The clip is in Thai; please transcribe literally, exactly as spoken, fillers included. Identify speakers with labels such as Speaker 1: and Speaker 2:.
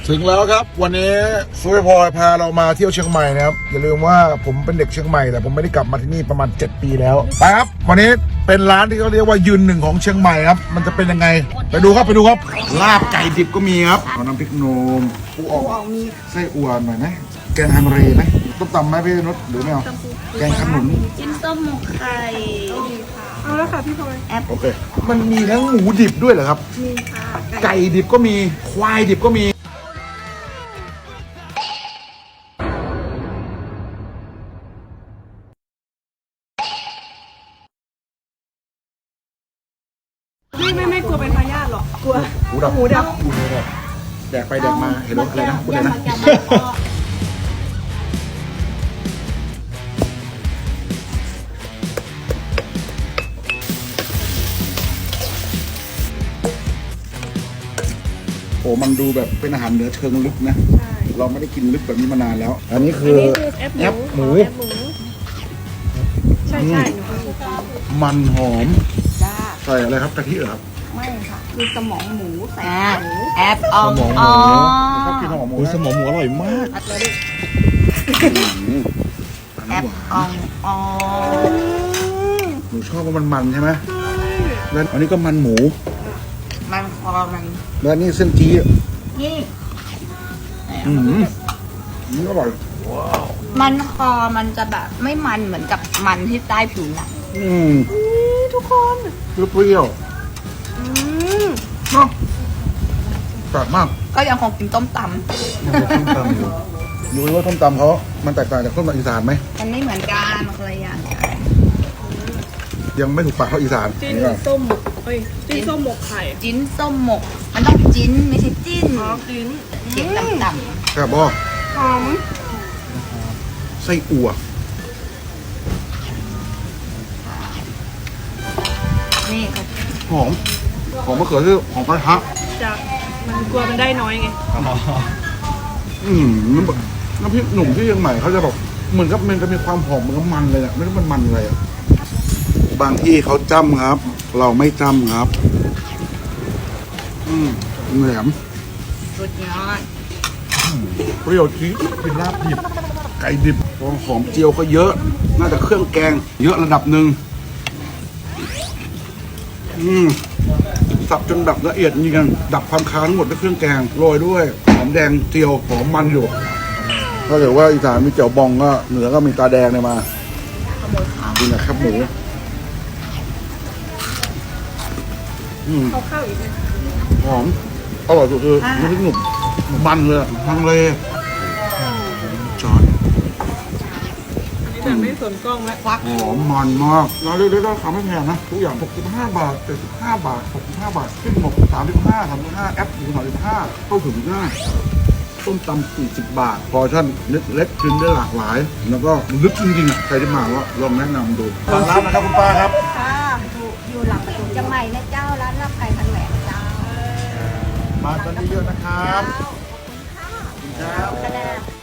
Speaker 1: ถึงแล้วครับวันนี้ซุยพลอยพาเรามาเที่ยวเชียงใหม่นะครับอย่าลืมว่าผมเป็นเด็กเชียงใหม่แต่ผมไม่ได้กลับมาที่นี่ประมาณเจ็ดปีแล้วไปครับวันนี้เป็นร้านที่เขาเรียกว่ายืนหนึ่งของเชียงใหม่ครับมันจะเป็นยังไงไปดูครับไปดูครับลาบไก่ดิบก็มีครับเอาน้ำพริกโหนมปูอ่องมีไส้อั่วหน่อยไหมแกงฮังเลไหมต้มตำไหมพี่นุชหรือไม่เอาแกงขนุน
Speaker 2: จิ้นส้มหมกไข่เอาแล้วค่ะพี่พลอยแอป
Speaker 1: โอเคมันมีทั้งหมูดิบด้วยเหรอครับ
Speaker 2: มีค่ะ
Speaker 1: ไก่ดิบก็มีควายดิบก็มี
Speaker 2: ไม่ไม่ไม่กลัวเป็นพยาธิหรอกกลัว
Speaker 1: หมูดับ
Speaker 2: หมูดับ
Speaker 1: หมูดับแดกไปแดกมาเห็นรถอะไรนะพูดเลยนะโอ้มันดูแบบเป็นอาหารเหนือเชิงลึกนะเราไม่ได้กินลึกแบบนี้มานานแล้ว อันนี้คือแอปหมู
Speaker 2: ใช่ใช่หนู
Speaker 1: มันหอม
Speaker 2: จ้า
Speaker 1: ใส่อะไรครับกะทิเหรอครับ
Speaker 2: ไม่ค่ะคือสมองหมูใส่หมู
Speaker 3: แอปออง
Speaker 1: สมองห
Speaker 3: อ๋
Speaker 1: มู
Speaker 3: อ
Speaker 1: ชอบกินสมองหมู
Speaker 4: โอ้ยสมองหมูอร่อยมาก
Speaker 1: อืม
Speaker 3: แอป
Speaker 1: หวาน
Speaker 3: อองอ๋อ
Speaker 1: หนูชอบว่ามันมันใช่ไหมแล้วอันนี้ก็มันหมู
Speaker 3: มันคอมัน
Speaker 1: แล้วนี่เส้นจี้
Speaker 3: นี่
Speaker 1: อืมนี่อร่อย
Speaker 3: มันคอมันจะแบบไม่มันเหมือนกับมันที่ใต้ผิวหนัง
Speaker 1: อืม
Speaker 2: ทุกคน
Speaker 1: เปรี้ยว
Speaker 2: อืม
Speaker 1: ๆเนาะแปลกมาก
Speaker 3: ก็ยังคงกินต้มต
Speaker 1: ส้มตำอยู่ดูว่าส้มตำเขามันแตกต่างจากส้มตำอีสานไหม
Speaker 3: ำมันไม่เหมือนกันมันคนละอย่างกัน
Speaker 1: ยังไม่ถูกปากเขาอีสาน
Speaker 2: จิ้น
Speaker 1: นี่ก่อน
Speaker 2: ส้มหมกเอ้ยจิ้นส้มหมกไข่
Speaker 3: จิ้นส้มหมก มันต้องจิ้นไม่ใช่จิ้น
Speaker 2: อ๋อจิ้น
Speaker 3: เสียงต่ำ
Speaker 1: แซ่บบ่
Speaker 2: หอม
Speaker 1: ไส้อั่ว
Speaker 3: ๆนี่ค่ะ
Speaker 1: หอมหอมมะเขือเทศหอมกระทะ
Speaker 2: จะมันกลัวมันได้น้อยไง
Speaker 1: อืมน้ำน้ำพริกหนุ่มที่เชียงใหม่เขาจะแบบเหมือนกับมันจะมีความหอมเหมือนกับมันเลยอะไม่รู้มันมันอะไรอะบางที่เขาจ้ำครับ เราไม่จ้ำครับ อืมแหลม
Speaker 3: สุดยอด
Speaker 1: เปรี้ยวจี๊ดเป็นลาบดิบไก่ดิบหอมเจียวก็เยอะ น่าจะเครื่องแกง เยอะระดับหนึ่งอืมสับจนแบบละเอียดนี่กันดับความค้างหมดด้วยเครื่องแกงโรยด้วยหอมแดงเจียวหอมมันอยู่ถ้าเกิดว่าอีสานมีเจียวบองก็เหนือก็มีตาแดงเนี่ยมา
Speaker 3: ขโมยข้าว
Speaker 1: ดีนะครับหมูอืม
Speaker 2: เอาข้าวอีกไหม
Speaker 1: หอมอร่อยสุดคือน้ำพริกหนุ่มมันเลยอะทางเลยจอน
Speaker 2: อันนี้แต่ไม่สนกล้องแล้ว
Speaker 3: ควัก
Speaker 1: หอมมันมากร้านเล็กๆก็ทำไม่แพงนะทุกอย่างหกสิบห้าบาทเจ็ดสิบห้าบาทหกสิบห้าบาทขึ้นหมดสามสิบห้าสามสิบห้าแอปถึงสามสิบห้าเข้าถึงง่ายต้มตำสี่สิบบาทพอร์ชั่นเล็กๆกินได้หลากหลาย แล้วก็ลึกจริงๆอ่ะใครที่มาก็ลองแนะนำดูร้านนะครับคุณป้าครับ
Speaker 2: ค่ะ
Speaker 5: อยู่หลังประตูเชียงใหม่นะเจ้าร้านลาบไก่พันแหวนเจ้า
Speaker 1: มากันเยอะๆนะครับ
Speaker 5: คะแนน